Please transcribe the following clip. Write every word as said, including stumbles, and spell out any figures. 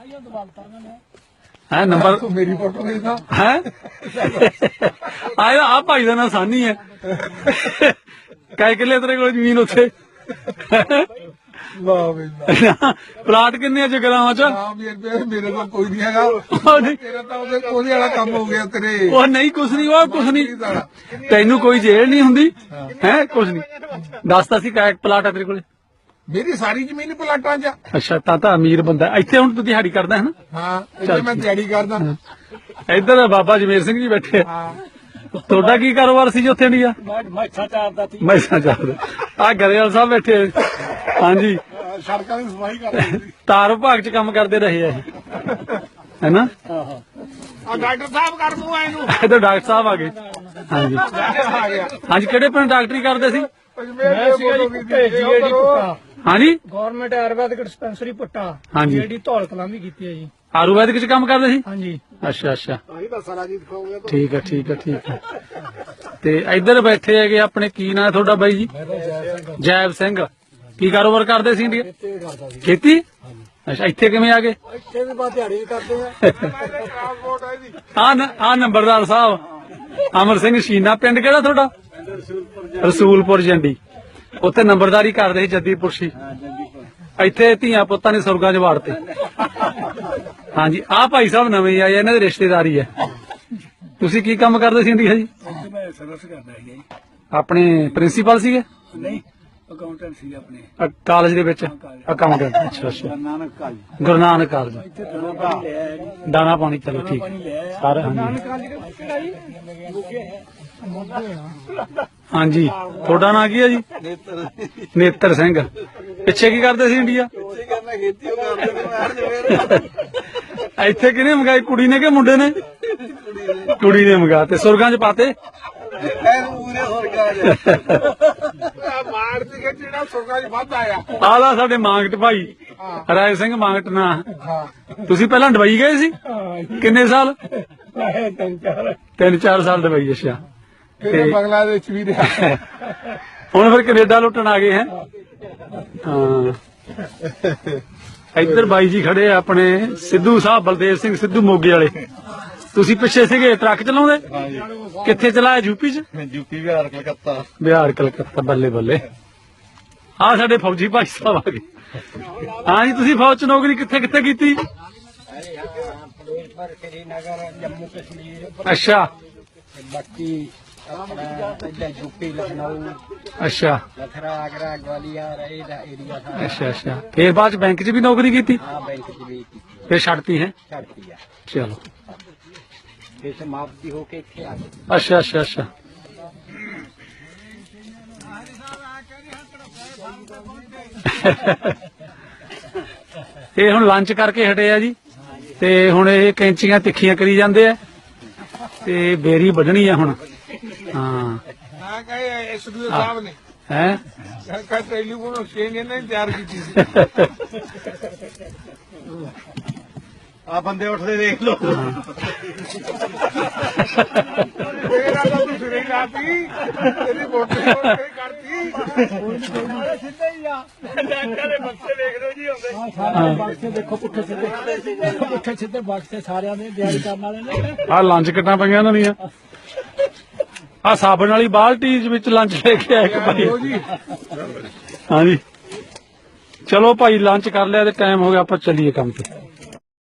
है नंबर मेरी फोटो देखा है आया आप भाई का नाम सानी है कै किले तेरे को जमीन उत्थे वाह बई वाह प्लाट किन्ने जगरावां च हाँ मेरे मेरे को कोई नहीं हैगा तेरा तो ਉਹਦੇ ਕੋਲੇ ਵਾਲਾ ਕੰਮ ਹੋ ਗਿਆ ਤੇਰੇ ਉਹ ਨਹੀਂ ਕੁਛ ਨਹੀਂ ਉਹ ਕੁਛ ਨਹੀਂ ਤੈਨੂੰ ਕੋਈ ਜੇਲ੍ਹ ਨਹੀਂ ਹੁੰਦੀ ਹੈ ਕੁਛ ਨਹੀਂ ਦੱਸਦਾ ਸੀ ਕਾ ਪਲਾਟ ਆ ਤੇਰੇ ਕੋਲੇ ਮੇਰੀ ਸਾਰੀ ਜ਼ਮੀਨ ਪਲਾਟਾਂ 'ਚ ਅੱਛਾ ਤਾਂ ਤਾਂ ਅਮੀਰ ਬੰਦਾ ਇੱਥੇ ਹੁਣ ਤੂੰ ਦਿਹਾੜੀ ਕਰਦਾ ਹੈ ਨਾ ਹਾਂ ਇੱਥੇ ਮੈਂ ਦਿਹਾੜੀ ਕਰਦਾ ਇੱਧਰ ਬਾਬਾ ਜਮੇਰ ਸਿੰਘ ਜੀ ਬੈਠੇ ਆ ਹਾਂ ਤੁਹਾਡਾ ਕੀ ਕਾਰੋਬਾਰ ਸੀ ਜੀ ਉੱਥੇ ਇੰਡੀਆ ਮੈਸਾਂ ਚਾਰਦਾ ਸੀ ਮੈਸਾਂ ਚਾਰਦਾ ਆ ਗਰੇਵਾਲ ਸਾਹਿਬ ਬੈਠੇ ਹਾਂਜੀ ਸੜਕਾਂ ਦੀ ਸਫਾਈ ਕਰਦੇ ਸੀ ਤਾਰ ਵਿਭਾਗ ਚ ਕੰਮ ਕਰਦੇ ਰਹੇ ਆ ਇਹ ਹੈਨਾ ਆ ਡਾਕਟਰ ਸਾਹਿਬ ਕਰ ਦੂੰ ਇਹਨੂੰ ਇੱਧਰ ਡਾਕਟਰ ਸਾਹਿਬ ਆ ਗਏ ਹਾਂਜੀ ਆ ਗਿਆ ਹਾਂਜੀ ਕਿਹੜੇ ਪਿੰਡ ਡਾਕਟਰੀ ਕਰਦੇ ਸੀ ਮੈਂ ਸੀਗਾ ਜੀ ਜੀਏਡੀ ਪੁੱਟਾ ਹਾਂਜੀ ਗਵਰਨਮੈਂਟ ਆਯੁਰਵੈਦਿਕ ਡਿਸਪੈਂਸਰੀ ਪੁੱਟਾ ਹਾਂਜੀ ਜੀਏਡੀ ਧੌਲ ਕਲਾਂ ਵੀ ਕੀਤੀ ਹੈ ਜੀ ਆਯੁਰਵੈਦਿਕ ਚ ਕੰਮ ਕਰਦੇ ਸੀ ਹਾਂਜੀ ਅੱਛਾ ਅੱਛਾ ਆਹੀ ਤਾਂ ਸਾਰਾ ਜੀ ਦਿਖਾਉਂਗਾ ਠੀਕ ਹੈ ਠੀਕ ਹੈ ਠੀਕ ਹੈ ਤੇ ਇੱਧਰ ਬੈਠੇ ਹੈਗੇ ਆਪਣੇ ਕੀ ਨਾਂ ਹੈ ਤੁਹਾਡਾ ਬਾਈ ਜੀ ਜੈਬ ਸਿੰਘ ਕੀ ਕਾਰੋਬਾਰ ਕਰਦੇ ਸੀ ਇੰਡੀਆ ਖੇਤੀ ਅੱਛਾ ਇੱਥੇ ਕਿਵੇਂ ਆ ਗਏ ਇੱਥੇ ਵੀ ਬਾਅਦ ਦਿਹਾੜੀ ਕਰਦੇ ਆ ਟ੍ਰਾਂਸਪੋਰਟ ਹੈ ਜੀ ਆ ਆ ਨੰਬਰਦਾਰ ਸਾਹਿਬ ਅਮਰ ਸਿੰਘ ਸ਼ੀਨਾ ਪਿੰਡ ਕਿਹੜਾ ਤੁਹਾਡਾ ਰਸੂਲਪੁਰ ਜੰਡੀ ਉੱਥੇ ਨੰਬਰਦਾਰੀ ਕਰਦੇ ਸੀ ਜੱਦੀਪੁਰ ਸੀ ਇੱਥੇ ਧੀਆਂ ਪੁੱਤਾਂ ਨੇ ਸੁਰਗਾਂ 'ਚ ਵਾੜਤੇ ਹਾਂਜੀ ਆਹ ਭਾਈ ਸਾਹਿਬ ਨਵੇਂ ਆਏ ਇਹਨਾਂ ਦੇ ਰਿਸ਼ਤੇਦਾਰੀ ਹੈ ਤੁਸੀਂ ਕੀ ਕੰਮ ਕਰਦੇ ਸੀ ਇੰਡੀਆ ਜੀ ਮੈਂ ਸਰਵਿਸ ਕਰਦਾ ਸੀ ਜੀ ਆਪਣੇ ਪ੍ਰਿੰਸੀਪਲ ਸੀਗੇ ਨਹੀਂ ਅਕਾਊਂਟੈਂਟ ਸੀ ਆਪਣੇ ਅ- ਕਾਲਜ ਦੇ ਵਿੱਚ ਅਕਾਊਂਟੈਂਟ ਅੱਛਾ ਅੱਛਾ ਨਾਨਕ ਕਾਲਜ ਗੁਰੂ ਨਾਨਕ ਕਾਲਜ ਇੱਥੇ ਦਾਣਾ ਪਾਣੀ ਲੈ ਆਇਆ ਜੀ ਦਾਣਾ ਪਾਣੀ ਚਲੋ ਠੀਕ ਸਾਰੇ ਹਾਂਜੀ ਨਾਨਕ ਕਾਲਜ ਕਿਹੜਾ ਜੀ ਹਾਂਜੀ ਤੁਹਾਡਾ ਨਾਂ ਕੀ ਹੈ ਜੀ ਨੇਤਰ ਨੇਤਰ ਸਿੰਘ ਪਿੱਛੇ ਕੀ ਕਰਦੇ ਸੀ ਇੰਡੀਆ ਪਿੱਛੇ ਕਰਨਾ ਖੇਤੀ ਉਹ ਕਰਦੇ ਨੇ ਇੱਥੇ ਕਿਹਨੇ ਮੰਗਾਈ ਕੁੜੀ ਨੇ ਕਿ ਮੁੰਡੇ ਨੇ ਕੁੜੀ ਨੇ ਮੰਗਾ ਤੇ ਸੁਰਗਾਂ 'ਚ ਪਾਤੇ ਐਨ ਪੂਰੇ ਸਰਕਾਰ ਮਾਰ ਦੀ ਜਿਹੜਾ ਸੁਰਗਾ ਜੀ ਵੱਧ ਆਇਆ ਆਲਾ ਸਾਡੇ ਮਾਂਗਟ ਭਾਈ ਰਾਏ ਸਿੰਘ ਮਾਂਗਟ ਨਾ ਹਾਂ ਤੁਸੀਂ ਪਹਿਲਾਂ ਡਬਈ ਗਏ ਸੀ ਕਿੰਨੇ ਸਾਲ ਤਿੰਨ ਚਾਰ ਤਿੰਨ ਚਾਰ ਸਾਲ ਡਬਈ ਅੱਛਾ ਫਿਰ ਬੰਗਲਾਦੇਸ਼ ਵੀ ਰਿਹਾ ਹੁਣ ਫਿਰ ਕੈਨੇਡਾ ਲੁੱਟਣ ਆ ਗਏ ਹੈ ਹਾਂ ਇੱਧਰ ਬਾਈ ਜੀ ਖੜੇ ਆ ਆਪਣੇ ਸਿੱਧੂ ਸਾਹਿਬ ਬਲਦੇਵ ਸਿੰਘ ਸਿੱਧੂ ਮੋਗੇ ਵਾਲੇ ਤੁਸੀਂ ਪਿੱਛੇ ਸੀਗੇ ਟਰੱਕ ਚਲਾਉਂਦੇ ਕਿੱਥੇ ਚਲਾਇਆ ਯੂਪੀ ਚ ਯੂਪੀ ਬਿਹਾਰ ਕਲਕੱਤਾ ਬਿਹਾਰ ਕਲਕੱਤਾ ਬੱਲੇ ਬੱਲੇ ਆ ਸਾਡੇ ਫੌਜੀ ਭਾਈ ਸਾਹਿਬ ਆ ਗਏ ਹਾਂ ਜੀ ਤੁਸੀਂ ਫੌਜ ਚ ਨੌਕਰੀ ਕਿੱਥੇ ਕਿੱਥੇ ਕੀਤੀ श्रीनगर जम्मू कश्मीर ਅੱਛਾ बाकी अपना यूपी लखनऊ ਅੱਛਾ लखरा आगरा ग्वालियर एरिया था ਅੱਛਾ ਅੱਛਾ ਫੇਰ ਬਾਅਦ ਚ ਬੈਂਕ ਚ ਵੀ ਨੌਕਰੀ ਕੀਤੀ हाँ बैंक की भी ਫੇਰ ਛੱਡਤੀ ਹੈ छड़ दिया ਚਲੋ फिर समाप्ति होके थे आगे ਅੱਛਾ ਅੱਛਾ ਅੱਛਾ ਇਹ ਹੁਣ ਲੰਚ ਕਰਕੇ ਹਟੇ ਆ ਜੀ ਤੇ ਹੁਣ ਇਹ ਕੈਂਚੀਆਂ ਤਿੱਖੀਆਂ ਕਰੀ ਜਾਂਦੇ ਆ ਤੇ ਬੇਰੀ ਵੱਢਣੀ ਆ ਹੁਣ ਹਾਂ हाँ कहे एसडीओ साहब ने ਹੈ कहा टेलीफोन एक्सचेंज ने तैयार की थी आ बंदे उठते देख लो मेरा तो तू सिरे लाती तेरी वोट करती सीधे ही आ डॉक्टर दे बक्से देख लो जी होंदे ਹਾਂ बक्से देखो पुट्ठे सीधे पुट्ठे सीधे बक्से सारिਆਂ ਦੇ ਤਿਆਰੀ ਕਰਨ ਵਾਲੇ ਨੇ ਆ ਲੰਚ ਕਿੱਟਾਂ ਪਈਆਂ ਇਹਨਾਂ ਦੀਆਂ ਆ ਸਾਬਣ ਵਾਲੀ ਬਾਲਟੀ ਵਿੱਚ ਲੰਚ ਲੈ ਕੇ ਆਇਆ ਇੱਕ ਭਾਈ ਹਾਂਜੀ ਚਲੋ ਭਾਈ ਲੰਚ ਕਰ ਲਿਆ ਤੇ ਟਾਈਮ ਹੋ ਗਿਆ ਆਪਾਂ ਚੱਲੀਏ ਕੰਮ ਤੇ